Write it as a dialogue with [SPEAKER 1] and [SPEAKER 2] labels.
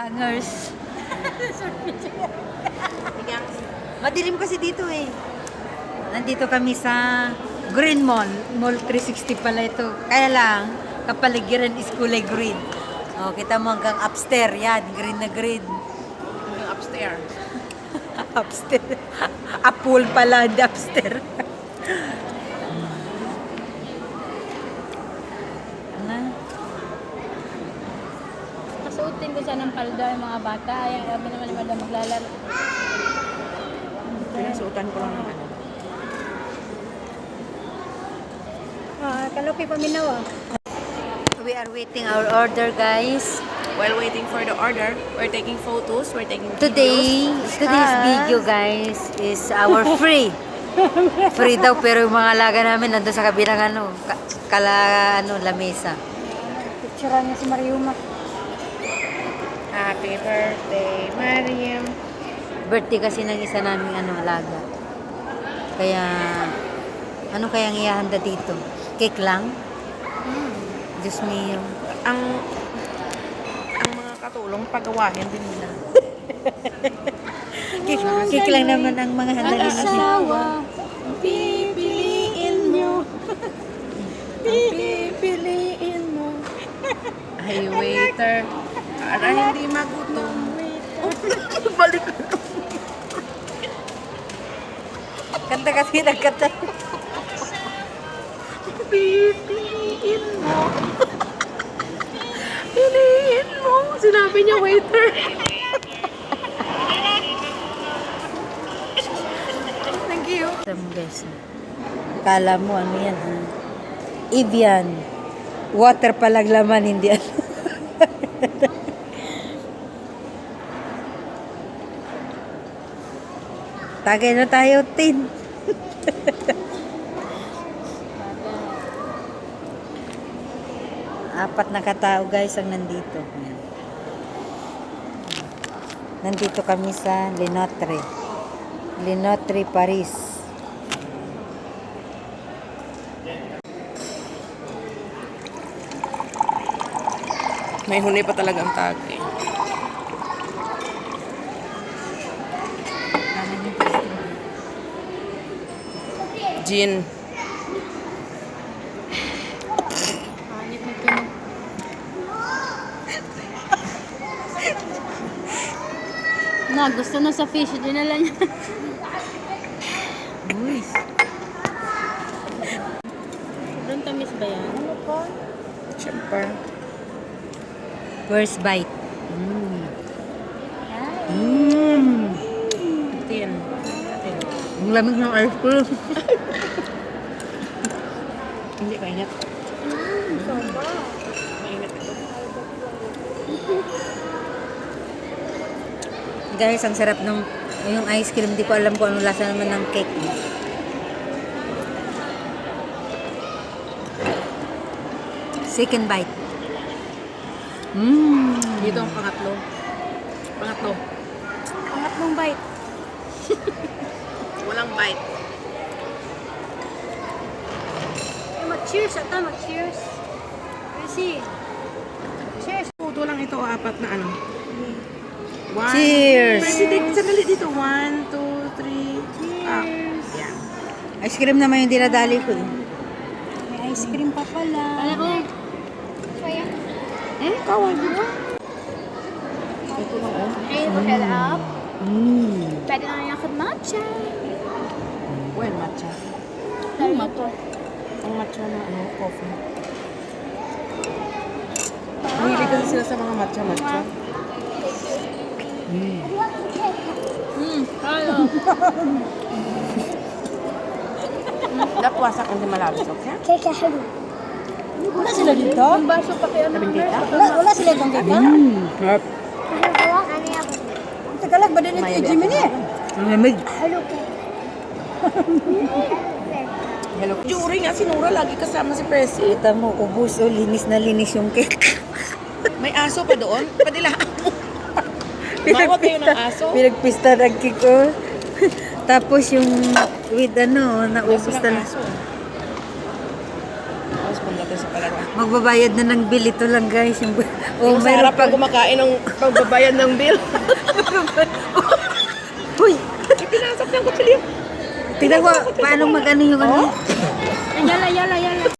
[SPEAKER 1] Hangers. Madilim kasi dito eh. Nandito kami sa Green Mall. Mall 360 pala ito. Kaya lang, kapaligiran is kulay green. Oh, kita mo hanggang upstairs. Yan, green na green.
[SPEAKER 2] Hanggang upstairs.
[SPEAKER 1] Upstairs. A pool pala, hindi upstairs.
[SPEAKER 3] Kasuotin ko sana ng palda yung mga bata. Ay, sabi naman ni Madam maglalaro.
[SPEAKER 2] Pinasuotan ko lang ng ano.
[SPEAKER 3] Kalupi paminaw ah.
[SPEAKER 1] We are waiting our order, guys.
[SPEAKER 2] While waiting for the order, we're taking photos, we're taking
[SPEAKER 1] Today's video, guys, is our free. Free daw, pero yung mga alaga namin nandun sa kabilang lamesa.
[SPEAKER 3] Picturean niya si Mariuma.
[SPEAKER 2] Happy birthday, Mariam.
[SPEAKER 1] Birthday kasi ng isa naming alaga. Kaya, ano kayang ihahanda dito? Cake lang? Diyos mio.
[SPEAKER 2] Ang mga katulong pagawahin din nila.
[SPEAKER 1] Cake lang naman ang mga handa nila.
[SPEAKER 3] Mag-asawa.
[SPEAKER 2] Pipiliin mo. Pipiliin mo. Ay, waiter. Para hindi magutom. Balik.
[SPEAKER 1] Kanta kasi nagkanta.
[SPEAKER 2] Pipiliin mo. Piliin mo. Sinabi niya, waiter. Thank you.
[SPEAKER 1] Guys, kala mo ano yan, ha? Evian. Water palang laman, hindi ano. Tagay na tayo, Tin. Apat na katao, guys, ang nandito. Ayan. Nandito kami sa Lenotre. Lenotre, Paris.
[SPEAKER 2] May huni pa talaga ang tag eh. Gin.
[SPEAKER 3] Hanip na tunog. Gusto na sa fish. Dinala niya.
[SPEAKER 1] Uy.
[SPEAKER 3] Doon tamis ba yan? Ano po?
[SPEAKER 2] Siyempre.
[SPEAKER 1] First bite. Mm.
[SPEAKER 2] Tin.
[SPEAKER 1] Ang lamig ng ice cream.
[SPEAKER 2] Hindi kainit.
[SPEAKER 3] Soba.
[SPEAKER 2] Mainit ito.
[SPEAKER 1] Guys, ang sarap ng yung ice cream. Hindi ko alam kung anong lasa naman ng cake. Second bite.
[SPEAKER 2] Dito ang pangatlo. Pangatlo.
[SPEAKER 3] Pangatlong bite.
[SPEAKER 2] Walang bite.
[SPEAKER 3] Mag-cheers ata, mag-cheers. Kasi, cheers.
[SPEAKER 2] Puto lang ito, apat na ano. One.
[SPEAKER 1] Cheers!
[SPEAKER 2] President, sandali dito. 1, 2, 3.
[SPEAKER 3] Cheers.
[SPEAKER 2] Yeah.
[SPEAKER 1] Ice cream naman yung dinadali ko.
[SPEAKER 3] May ice cream pa pala. Ano ko?
[SPEAKER 2] Kawan, di ba? Ito lang, oh.
[SPEAKER 3] Ayun mo fill up. Pwede na yung matcha.
[SPEAKER 2] Well, matcha.
[SPEAKER 3] Ano matcha?
[SPEAKER 2] Ang matcha na ano, coffee. Mahilig kasi sila sa mga matcha-matcha.
[SPEAKER 3] Ano?
[SPEAKER 2] Dapat wasak hindi malabis, okay?
[SPEAKER 3] Kaya halo. Wala sila dito? Yung baso pa kaya
[SPEAKER 2] Labing tita?
[SPEAKER 3] Wala sila itong dito?
[SPEAKER 1] Harap.
[SPEAKER 3] Tagalag ba din ito yung Jimmy niya?
[SPEAKER 1] Ang lamig.
[SPEAKER 3] Halo ka.
[SPEAKER 2] Hello. Jury nga, sinura lagi kasama si Presi.
[SPEAKER 1] Kita mo, ubus o linis na linis yung cake.
[SPEAKER 2] May aso pa doon? Padilaan mo. Mawag kayo ng aso.
[SPEAKER 1] Pinagpista ng cake ko. Tapos yung with naubos
[SPEAKER 2] Aso
[SPEAKER 1] na.
[SPEAKER 2] ng aso. Tapos pagdating dito sa Palawan.
[SPEAKER 1] Magbabayad na ng bill ito lang guys.
[SPEAKER 2] Yung sa harap pag kumakain ng pagbabayad ng bill.
[SPEAKER 1] Uy!
[SPEAKER 2] Pinasok ng kutsilyo.
[SPEAKER 1] Tignan ko paano mag-ano yung ano.
[SPEAKER 3] Yala, yala, yala.